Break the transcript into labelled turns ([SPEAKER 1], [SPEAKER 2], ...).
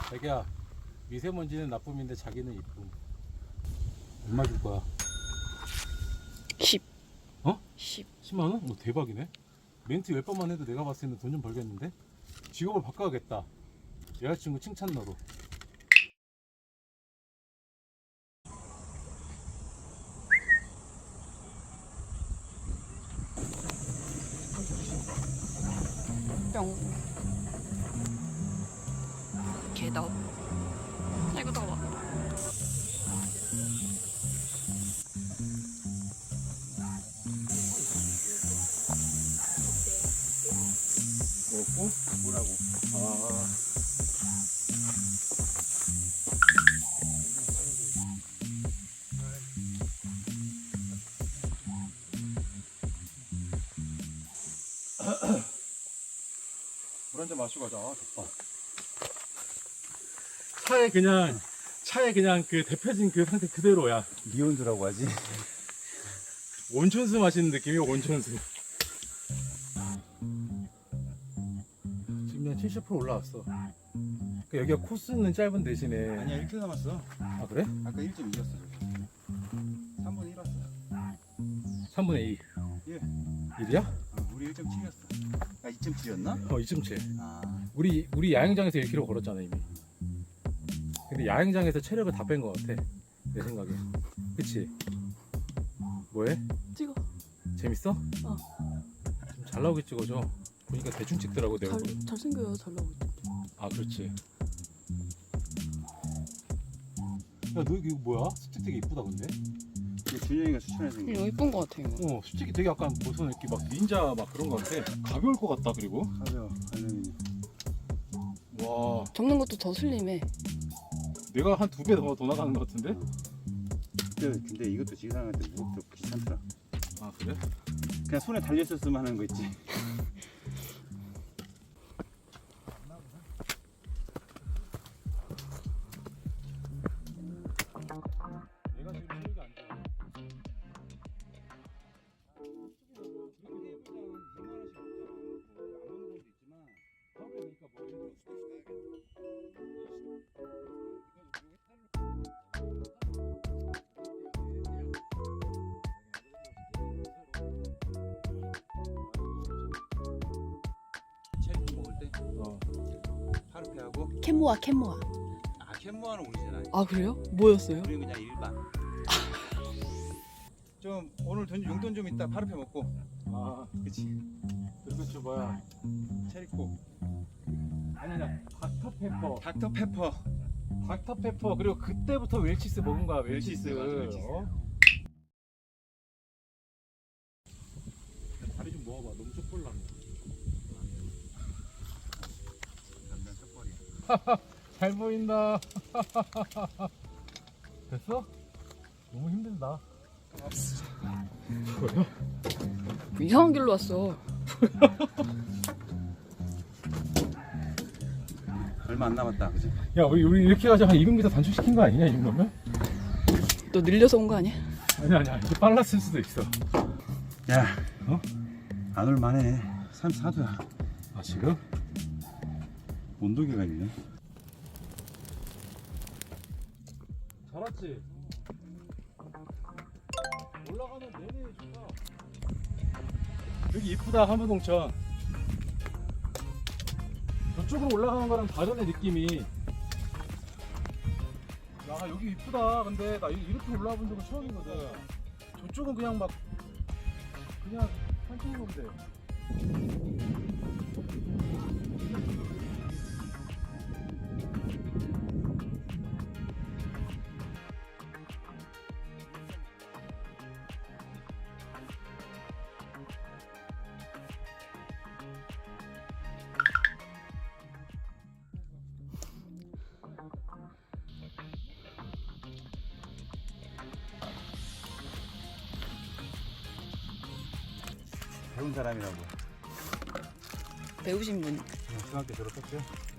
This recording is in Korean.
[SPEAKER 1] 자기야, 미세먼지는 나쁨인데 자기는 이쁨. 얼마 줄 거야?
[SPEAKER 2] 10.
[SPEAKER 1] 어?
[SPEAKER 2] 10.
[SPEAKER 1] 10만 원? 뭐 대박이네. 멘트 10번만 해도 내가 봤을 때는 돈 좀 벌겠는데? 직업을 바꿔야겠다. 여자친구 칭찬러로.
[SPEAKER 2] 뿅. 개다. 아이고 더워.
[SPEAKER 1] 뭐고? 뭐라고? 아. 물 한 잔 마시고 가자. 아, 좋다. 차에 그냥 그 데펴진 그 상태 그대로야.
[SPEAKER 3] 미온수라고 하지.
[SPEAKER 1] 온천수 마시는 느낌이야, 온천수. 지금 그냥 70% 올라왔어. 그러니까 여기가 코스는 짧은 대신에.
[SPEAKER 3] 아니야 1km 남았어.
[SPEAKER 1] 아, 그래?
[SPEAKER 3] 아까 1.2였어. 3분의 1 왔어.
[SPEAKER 1] 3분의 2.
[SPEAKER 3] 예.
[SPEAKER 1] 1이야?
[SPEAKER 3] 우리 1.7이었어. 아 2.7이었나?
[SPEAKER 1] 2.7.
[SPEAKER 3] 아
[SPEAKER 1] 우리 야영장에서 1km 걸었잖아, 이미. 근데 야영장에서 체력을 다 뺀 것 같아, 내 생각에. 그치? 뭐해?
[SPEAKER 2] 찍어.
[SPEAKER 1] 재밌어?
[SPEAKER 2] 어.
[SPEAKER 1] 좀 잘 나오게 찍어줘. 보니까 대충 찍더라고, 내 얼굴.
[SPEAKER 2] 잘생겨요. 잘 나오고 있죠.
[SPEAKER 1] 아, 그렇지. 야, 너 이거 뭐야? 습지 되게 이쁘다, 근데?
[SPEAKER 3] 이게 준영이가 추천해준 거.
[SPEAKER 2] 이거 이쁜 거 같아 이거.
[SPEAKER 1] 솔직히 되게 약간 무슨 이렇게 막 닌자 막 그런 거 같아. 가벼울 것 같다, 그리고.
[SPEAKER 3] 가벼워. 알루미늄.
[SPEAKER 1] 와,
[SPEAKER 2] 접는 것도 더 슬림해.
[SPEAKER 1] 내가 한 2배 더 나가는 것 같은데?
[SPEAKER 3] 근데 이것도 지상한테 무겁고 귀찮더라.
[SPEAKER 1] 아, 그래?
[SPEAKER 3] 그냥 손에 달렸었으면 하는 거 있지.
[SPEAKER 1] 내가 지금 체력이 안 좋아.
[SPEAKER 3] 체리 먹을 때
[SPEAKER 1] 어.
[SPEAKER 3] 파르페하고
[SPEAKER 2] 캔모아.
[SPEAKER 3] 캔모아는 우리잖아.
[SPEAKER 2] 아 그래요? 뭐였어요?
[SPEAKER 3] 우리는 그냥 일반. 좀 오늘 용돈 좀 있다 파르페 먹고.
[SPEAKER 1] 아,
[SPEAKER 3] 그치.
[SPEAKER 1] 그리고 저 뭐야?
[SPEAKER 3] 체리코.
[SPEAKER 1] 아니야, 닥터페퍼.
[SPEAKER 3] 닥터페퍼.
[SPEAKER 1] 닥터페퍼. 그리고 그때부터 웰치스 먹은 거야, 웰치스.
[SPEAKER 3] 맞아, 웰치스.
[SPEAKER 1] 어? 다리 좀 모아봐. 너무 쪽볼라네.
[SPEAKER 3] 남자 턱걸이.
[SPEAKER 1] 잘 보인다. 됐어? 너무 힘들다. 뭐야?
[SPEAKER 2] 이상한 길로 왔어.
[SPEAKER 3] 얼마 안 남았다, 그지?
[SPEAKER 1] 야, 우리 이렇게 가지고 한 200m 단축시킨 거 아니냐, 이 정도면?
[SPEAKER 2] 너 늘려서 온 거 아니야?
[SPEAKER 1] 아니야. 이게 빨랐을 수도 있어.
[SPEAKER 3] 야,
[SPEAKER 1] 어?
[SPEAKER 3] 안 올만해. 34도야.
[SPEAKER 1] 아, 지금?
[SPEAKER 3] 온도계가 있네.
[SPEAKER 1] 잘 왔지? 올라가는 내내 좋다. 여기 이쁘다, 한무동천. 저쪽으로 올라가는 거랑 다르네, 느낌이. 야, 여기 이쁘다. 근데 나 이렇게 올라와 본 적은 처음이거든. 저쪽은 그냥 막 그냥 산책로 건데.
[SPEAKER 3] 배운 사람이라고.
[SPEAKER 2] 배우신 분.
[SPEAKER 1] 중학교 졸업했지?